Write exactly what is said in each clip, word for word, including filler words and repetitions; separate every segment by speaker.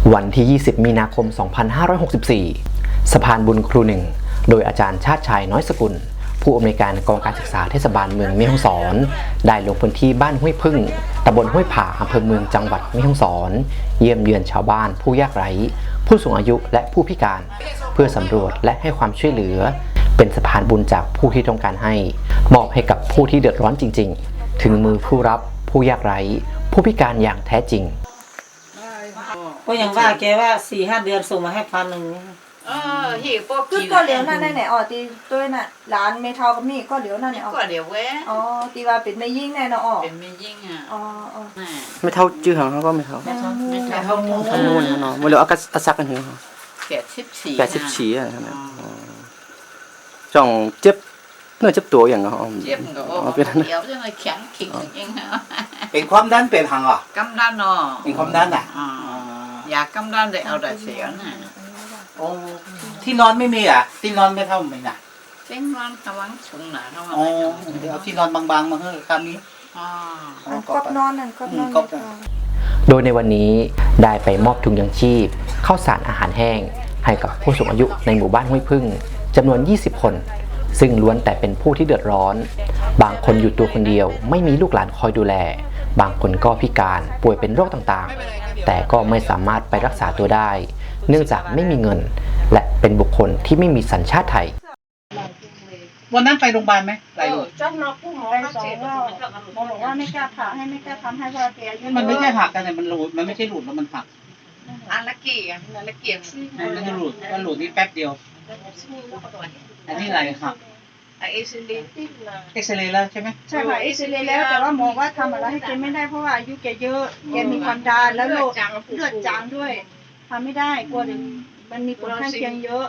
Speaker 1: วันที่ ยี่สิบ มีนาคม สองพันห้าร้อยหกสิบสี่ สะพานบุญครูหนึ่งโดยอาจารย์ชาติชายน้อยสกุลผู้อำนวยการกองการศึกษาเทศบาลเมืองแม่ฮ่องสอนได้ลงพื้นที่บ้านห้วยพึ่งตำบลห้วยผาอำเภอเมืองจังหวัดแม่ฮ่องสอนเยี่ยมเยือนชาวบ้านผู้ยากไร้ผู้สูงอายุและผู้พิการเพื่อสำรวจและให้ความช่วยเหลือเป็นสะพานบุญจากผู้ที่ต้องการให้มอบให้กับผู้ที่เดือดร้อนจริงๆถึงมือผู้รับผู้ยากไร้ผู้พิการอย่างแท้จริง
Speaker 2: ก็ยังว่าแกว่าสี่ห้าเดือนส่งมาให้พันหนึ่ง
Speaker 3: เออหิวพวก
Speaker 4: คือก็เหลียวนั่นไหนอ๋อตีตัวน่ะร้านเมทัลก็มีก็เหลียวนั่นเนี่ยอ๋อ
Speaker 3: ก็เดี๋ยวเว้ย
Speaker 4: อ๋อตีว่าเป็นไม่ยิ่งแน่เนาะอ๋อ
Speaker 3: เป็นไม่ยิ่งอ่ะ
Speaker 4: อ๋ออ๋อ
Speaker 5: ไม่เท่าจื้อหางเขาก็ไม่เท่า
Speaker 3: ไม่เท่าไม่เท่ามูน
Speaker 5: เท่ามูนเนาะมันเหลืออากาศซักกันเหรอ
Speaker 3: แปดสิบสี่
Speaker 5: แปดสิบสี่อ่ะนะจ่องเจ็บเนื้อเจ็บตัวอย่างเงี้ย
Speaker 3: เจ็บก็โอ้เดี๋ยวจะมาแข็งขิงเองฮะ
Speaker 6: เป็นความดันเป็นหางอ่ะ
Speaker 3: กำดันเนาะ
Speaker 6: เป็นความดันอ่ะ
Speaker 3: อยากกำดันได้เอาแต่เสียน่ะ
Speaker 6: โอ้ที่นอนไม่มีอ่ะที่นอนไม่เท่าไม่น่ะ
Speaker 3: เส้นนอนกำลังสูงหนาเข้ามา
Speaker 6: อ๋อเดี๋ยวเอาที่นอนบางๆมาให้คำนี้
Speaker 3: อ๋อ
Speaker 4: ก็นอนนั่นก็นอน
Speaker 1: โดยในวันนี้ได้ไปมอบถุงยังชีพข้าวสารอาหารแห้งให้กับผู้สูงอายุในหมู่บ้านห้วยพึ่งจำนวนยี่สิบคนซึ่งล้วนแต่เป็นผู้ที่เดือดร้อนบางคนอยู่ตัวคนเดียวไม่มีลูกหลานคอยดูแลบางคนก็พิการป่วยเป็นโรคต่างๆแต่ก็ไม่สามารถไปรักษาตัวได้เนื่องจากไม่มีเงินและเป็นบุคคลที่ไม่มีสัญชาติไทย
Speaker 6: วันนั้นไปโรงพยาบาลไหมไป
Speaker 4: เจ้าหน้าผู้หมอไปสองว่าหมอบอกว่าไม่กล้าผ่าให้ไม่กล้าทำให้เพราะแกอายุ
Speaker 6: มันไม่ใช่หักกันแต่มันหลุดมันไม่ใช่หลุดแล้วมันหัก
Speaker 3: อันละกี่อันละกี่
Speaker 6: มันจะหลุดมันหลุดนี่แป๊บเดียวอันนี้อะไรหัก
Speaker 3: เอ็กซเรย์
Speaker 6: เอ็กซเรย์แล้วใช่ไหม
Speaker 4: ใช่ค่ะเอ็กซเรย์แล้วแต่ว่าหมอว่าทำอะไรให้แกไม่ได้เพราะว่าอายุแกเยอะแกมีความดันแล้วโรคเลือดจางด้วยทำไม่ได้กลัวมันมีผลข้างเคียงเยอะ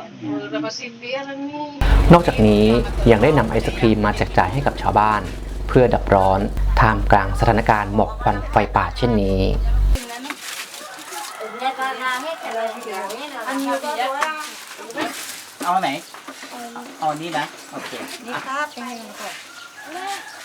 Speaker 1: นอกจากนี้ยังได้นำไอศครีมมาแจกจ่ายให้กับชาวบ้านเพื่อดับร้อนท่ามกลางสถานการณ์หมอกควันไฟป่าเช่นนี้
Speaker 6: เอาไหนเอานี้นะโอเค
Speaker 4: นี่ครับใช่ไหมครับ